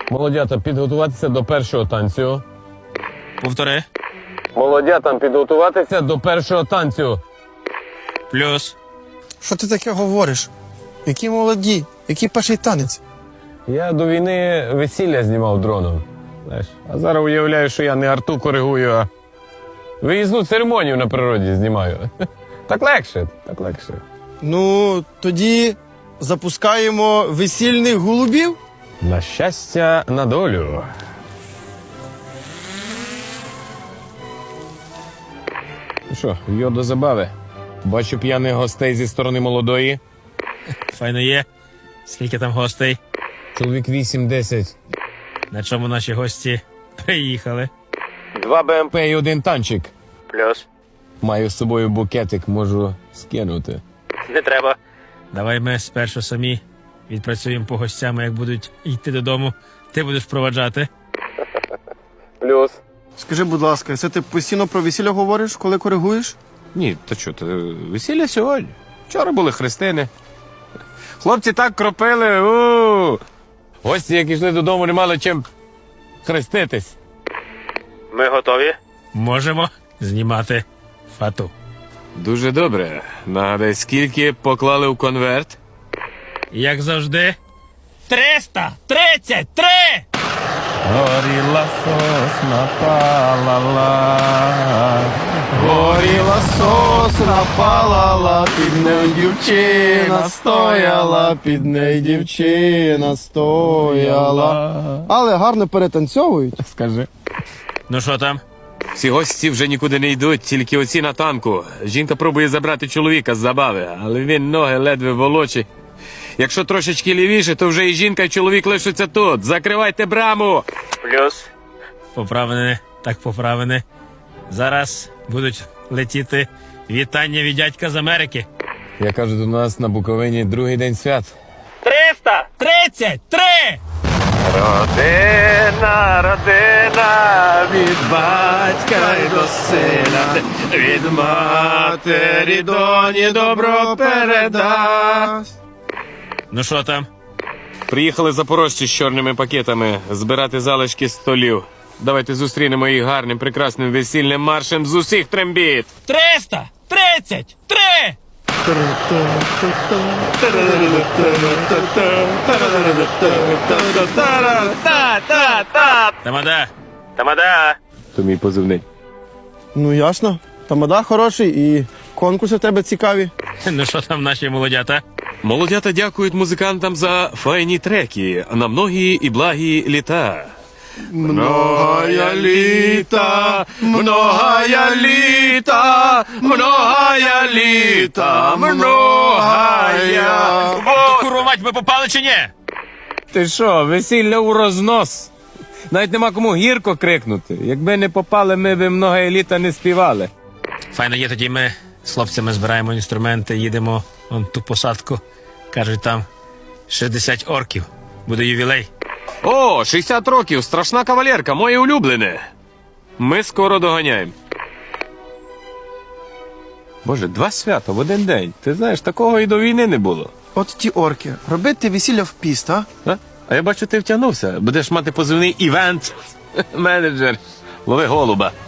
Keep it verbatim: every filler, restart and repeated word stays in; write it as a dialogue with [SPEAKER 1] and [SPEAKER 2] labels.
[SPEAKER 1] Молодята, підготуватися до першого танцю.
[SPEAKER 2] Повтори.
[SPEAKER 1] Молодятам підготуватися до першого танцю.
[SPEAKER 2] Плюс.
[SPEAKER 3] Що ти таке говориш? Які молоді? Який перший танець?
[SPEAKER 1] Я до війни весілля знімав дроном. Знаєш, а зараз уявляю, що я не арту коригую, а виїзну церемонію на природі знімаю. Так легше, так легше.
[SPEAKER 3] Ну, тоді запускаємо весільних голубів.
[SPEAKER 1] На щастя, на долю. Ну що, йо до забави. Бачу п'яних гостей зі сторони молодої.
[SPEAKER 2] Файно є. Скільки там гостей?
[SPEAKER 1] Чоловік вісім-десять.
[SPEAKER 2] На чому наші гості приїхали?
[SPEAKER 1] Два БМП і один танчик.
[SPEAKER 2] Плюс.
[SPEAKER 1] Маю з собою букетик, можу скинути.
[SPEAKER 2] Не треба. Давай ми спершу самі відпрацюємо по гостям, як будуть йти додому. Ти будеш проваджати.
[SPEAKER 1] Плюс.
[SPEAKER 3] Скажи, будь ласка, це ти постійно про весілля говориш, коли коригуєш?
[SPEAKER 1] Ні, то що, то весілля сьогодні. Вчора були хрестини. Хлопці так кропили. У! Гості, як йшли додому, не мали чим хреститись.
[SPEAKER 2] Ми готові? Можемо знімати фату.
[SPEAKER 1] Дуже добре. Нагадай, скільки поклали в конверт?
[SPEAKER 2] Як завжди. триста тридцять три!
[SPEAKER 1] Горіла сосна палала, горіла сосна палала, під нею дівчина стояла, під нею дівчина стояла.
[SPEAKER 3] Але гарно перетанцьовують.
[SPEAKER 1] Скажи.
[SPEAKER 2] Ну що там?
[SPEAKER 1] Всі гості вже нікуди не йдуть, тільки оці на танку. Жінка пробує забрати чоловіка з забави, але він ноги ледве волочить. Якщо трошечки лівіше, то вже і жінка, і чоловік лишаться тут. Закривайте браму!
[SPEAKER 2] Плюс. Поправини, так поправини. Зараз будуть летіти вітання від дядька з Америки.
[SPEAKER 1] Я кажу, до нас на Буковині другий день свят.
[SPEAKER 2] триста тридцять три!
[SPEAKER 1] Родина, родина, від батька й до сина, від матері доні добро передасть.
[SPEAKER 2] Ну що там?
[SPEAKER 1] Приїхали запорожці з чорними пакетами збирати залишки столів. Давайте зустрінемо їх гарним, прекрасним весільним маршем з усіх трембіт.
[SPEAKER 2] триста тридцять три! Тамада! Тамада!
[SPEAKER 1] То мій позивний.
[SPEAKER 3] Ну, ясно. Тамада хороший і конкурси в тебе цікаві.
[SPEAKER 2] Ну що там наші молодята?
[SPEAKER 1] Молодята дякують музикантам за файні треки на многі і благі літа. Многая літа, многая літа, многая літа, многая.
[SPEAKER 2] Курва мать, ми попали чи ні?
[SPEAKER 1] Ти що, весілля у рознос? Навіть нема кому гірко крикнути. Якби не попали, ми б многая літа не співали.
[SPEAKER 2] Файно є, тоді ми з хлопцями збираємо інструменти, їдемо вон ту посадку. Кажуть, там шістдесят орків. Буде ювілей.
[SPEAKER 1] О, шістдесят років, страшна кавалерка, моє улюблене. Ми скоро доганяємо. Боже, два свята в один день. Ти знаєш, такого і до війни не було.
[SPEAKER 3] От ті орки. Робити весілля в піст, а?
[SPEAKER 1] А, а я бачу, ти втягнувся. Будеш мати позивний івент менеджер. Лови голуба.